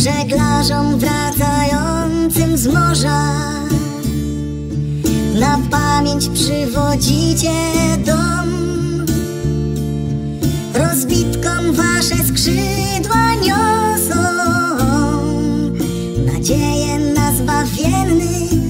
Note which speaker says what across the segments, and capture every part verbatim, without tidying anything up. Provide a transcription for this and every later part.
Speaker 1: żeglarzom wracającym z morza. Na pamięć przywodzicie dom, rozbitkom wasze skrzydła niosą nadzieję na zbawienny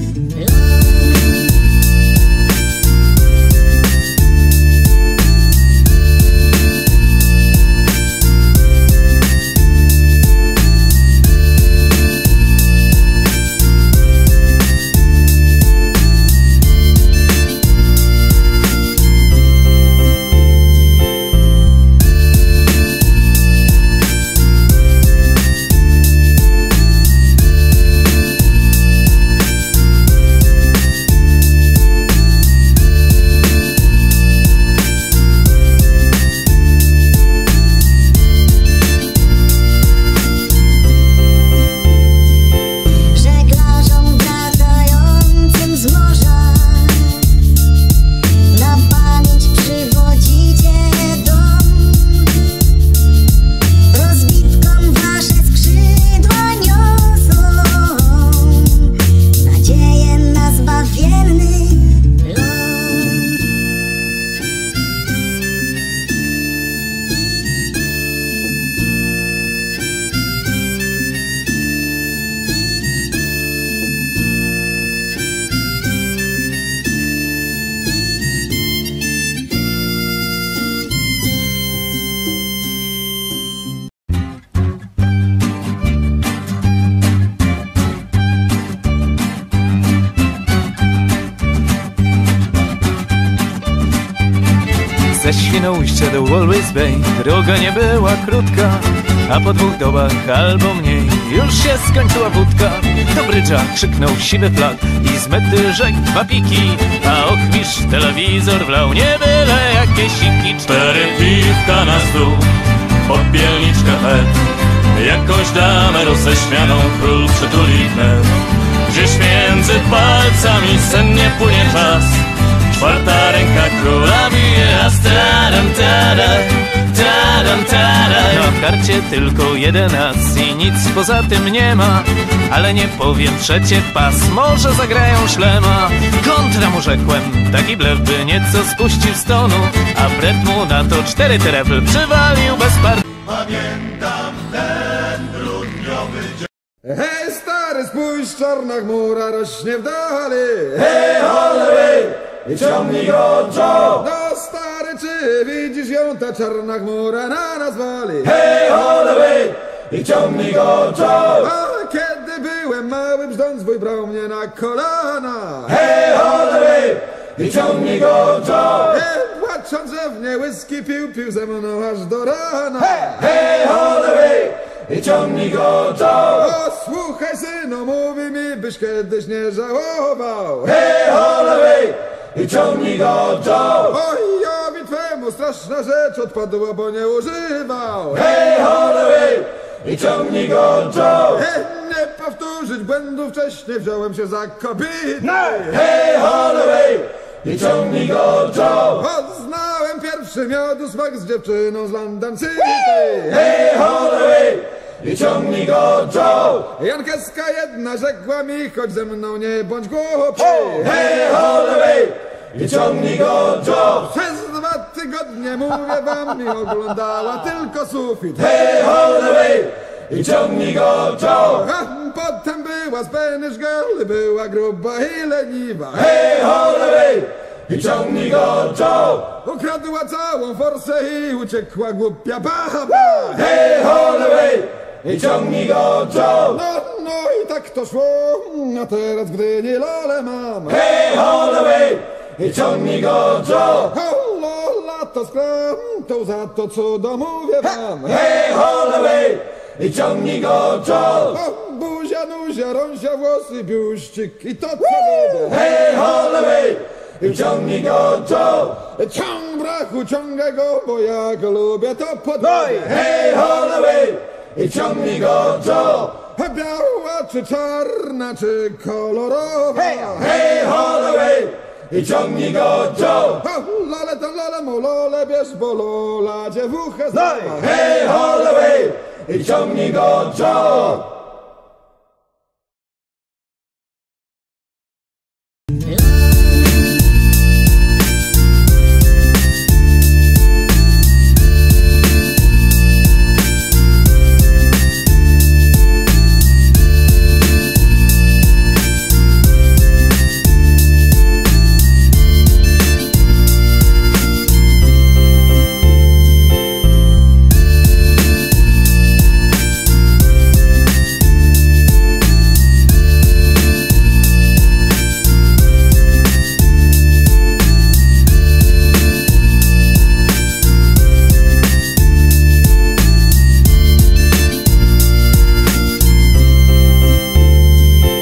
Speaker 2: Ze Świnoujścia do Walvis Bay droga nie była krótka, a po dwóch dobach albo mniej już się skończyła wódka. Do brydża krzyknął siwy flag i z mety rzekł dwa piki, a ochmistrz telewizor wlał nie byle jakie siki. Cztery piwka na stół, popielniczka chleb, jakąś damę roześmianą król przytuli wnet. Gdzieś między palcami sennie płynie czas, czwarta ręka króla bije, a stadam tada, tadam tada. Na karcie tylko jeden as i nic poza tym nie ma, ale nie powiem trzecie pas, może zagrają szlema. Kontra mu rzekłem, taki blef by nieco spuścił z tonu, a bret mu na to cztery trefl przywalił bez par...
Speaker 3: Pamiętam ten grudniowy dzień.
Speaker 4: Hej stary, spójrz, czarna chmura rośnie w dali.
Speaker 3: Hej Holloway, i ciągnij go Joe.
Speaker 4: No stary, czy widzisz ją, ta czarna chmura na nas wali.
Speaker 3: Hej Holloway, i ciągnij go Joe.
Speaker 4: A kiedy byłem mały, brzdąc wuj brał mnie na kolana.
Speaker 3: Hej Holloway, i ciągnij go Joe.
Speaker 4: Nie płacząc, że w nie whisky pił, pił ze mną aż do rana.
Speaker 3: Hej Holloway, i ciągnij go Joe.
Speaker 4: O słuchaj synu, mówi mi, byś kiedyś nie żałował.
Speaker 3: Hej Holloway, i ciągnij go Joe.
Speaker 4: Ojowi twemu straszna rzecz odpadła, bo nie używał.
Speaker 3: Hej Holloway, i ciągnij go Joe.
Speaker 4: He, nie powtórzyć błędu wcześniej, wziąłem się za kobietę.
Speaker 3: Hej Holloway, i ciągnij go Joe.
Speaker 4: Poznałem pierwszy miodu smak z dziewczyną z London City.
Speaker 3: Hej Holloway, i ciągnij go Joe.
Speaker 4: Jankeska jedna rzekła mi, chodź ze mną, nie bądź głupi.
Speaker 3: Hej Holloway, i ciągnij go Joe.
Speaker 4: Przez dwa tygodnie, mówię wam, mi oglądała tylko sufit.
Speaker 3: Hej Holloway, i ciągnij go Joe.
Speaker 4: A potem była Spanish Girl, była gruba i leniwa.
Speaker 3: Hej Holloway, i ciągnij go Joe.
Speaker 4: Ukradła całą forsę i uciekła głupia baba.
Speaker 3: Hej Holloway, i ciągnij go Joe.
Speaker 4: No, no i tak to szło, a teraz w Gdyni lole mam.
Speaker 3: Hej Holloway, i ciągnij go Joe.
Speaker 4: O, lola to skram, to za to cudo mówię wam.
Speaker 3: Hej Holloway, i ciągnij go Joe.
Speaker 4: O, buzia, nuzia, rąsia, włosy, biuścik i to co lubię.
Speaker 3: Hej Holloway, i ciągnij go Joe.
Speaker 4: Ciąg brachu, ciągaj go, bo ja go lubię, to podwoję.
Speaker 3: Hej Holloway, i ciągnij go Joe.
Speaker 4: Biała czy czarna, czy kolorowa.
Speaker 3: Hej Holloway, i ciągnij go Joe.
Speaker 4: O, lole to lole, mu lole bierz, bo lola dziewuchę zna.
Speaker 3: Hej Holloway, i ciągnij go Joe.